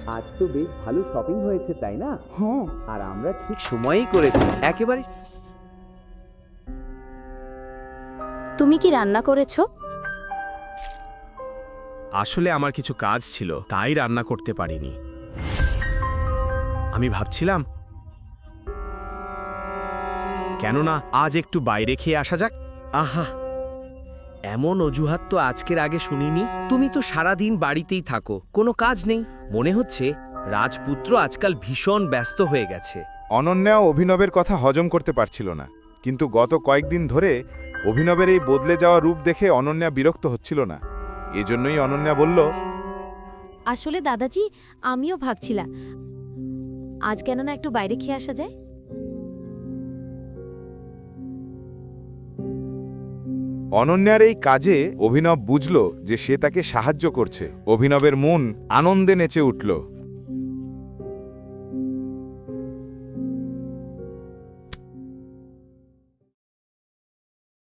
আজ তো বেশ ভালো শপিং হয়েছে তাই না? হ্যাঁ। আর আমরা ঠিক সময়েই করেছি একেবারে। তুমি কি রান্না করেছো? আসলে আমার কিছু কাজ ছিল, তাই রান্না করতে পারিনি। আমি ভাবছিলাম কেননা আজ একটু বাইরে খেয়ে আসা যাক। আহা, এমন অজুহাত তো আজকের আগে শুনিনি। তুমি তো সারাদিন বাড়িতেই থাকো, কোনো কাজ নেই। মনে হচ্ছে রাজপুত্র আজকাল ভীষণ ব্যস্ত হয়ে গেছে। অনন্যাও অভিনবের কথা হজম করতে পারছিল না, কিন্তু গত কয়েকদিন ধরে অভিনবের এই বদলে যাওয়া রূপ দেখে অনন্যা বিরক্ত হচ্ছিল না। এজন্যই অনন্যা বলল, আসলে দাদাজি, আমিও ভাবছিলাম আজ কেন না একটু বাইরে খেয়ে আসা যায়। অনন্যার এই কাজে অভিনব বুঝল যে সে তাকে সাহায্য করছে। অভিনবের মন আনন্দে নেচে উঠল।